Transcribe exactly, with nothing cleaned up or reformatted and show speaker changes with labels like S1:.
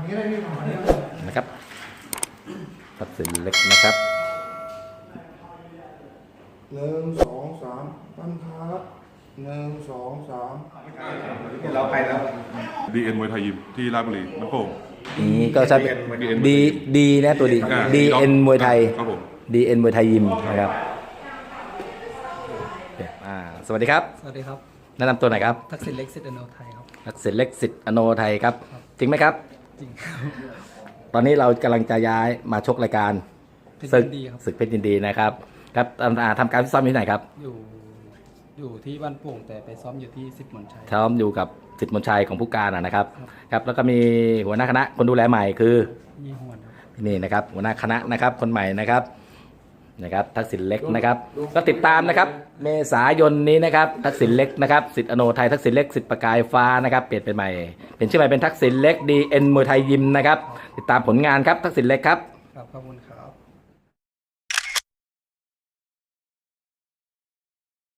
S1: นะครับทักษิณเล็กนะครับ
S2: หนึ่งสองสามตั้งครับหนึ่งสองสาม
S3: เราไปแล้ว
S4: ดีเอ็นมวยไทยยิมที่ราชบุรีน้ำโป่ง
S1: นี่ก็จะดีดีนะตัวดี
S4: อ่า
S1: ดีเอ็นมวยไทย
S4: ครับผม
S1: ดีเอ็นมวยไทยยิมนะครับอ่าสวัสดีครับ
S5: สวัสดีครับ
S1: แนะนำตัวหน่อยครับ
S5: ทักษิณเล็กสิทธิ์อโนไทยครับ
S1: ทักษิณเล็กสิทธิ์อโนไทยครับ จริงไหมครับ
S5: จริงครับ
S1: ตอนนี้เรากำลังจะย้ายมาชกรายการ
S5: เพชร
S1: ศึก
S5: ยินดีครับ
S1: ศึกเพชรยินดีนะครับครับอ่าทำการฟิตซ้อมอยู่ที่ไหนครับ
S5: อยู่อยู่ที่บ้านโป่งแต่ไปซ้อมอยู่ที่สิบหมอนชัย
S1: ซ้อมอยู่กับสิทธิ์มนชัยของผู้การนะนะครับ
S5: ครับ
S1: ครับแล้วก็มีหัวหน้าคณะคนดูแลใหม่คือ
S5: ยี่หวนครับ
S1: นี่นะครับหัวหน้าคณะนะครับคนใหม่นะครับนะครับทักษิณเล็กนะครับก็ติดตามนะครับเมษายนนี้นะครับทักษิณเล็กนะครับสิทธิ์อโนไทยทักษิณเล็กสิทธิ์ประกายฟ้านะครับเปลี่ยนเป็นใหม่เป็นชื่อใหม่เป็นทักษิณเล็กดีเอ็นมวยไทยยิมนะครับติดตามผลงานครับทักษิณเล็กครับ
S5: ครับขอบคุณครับ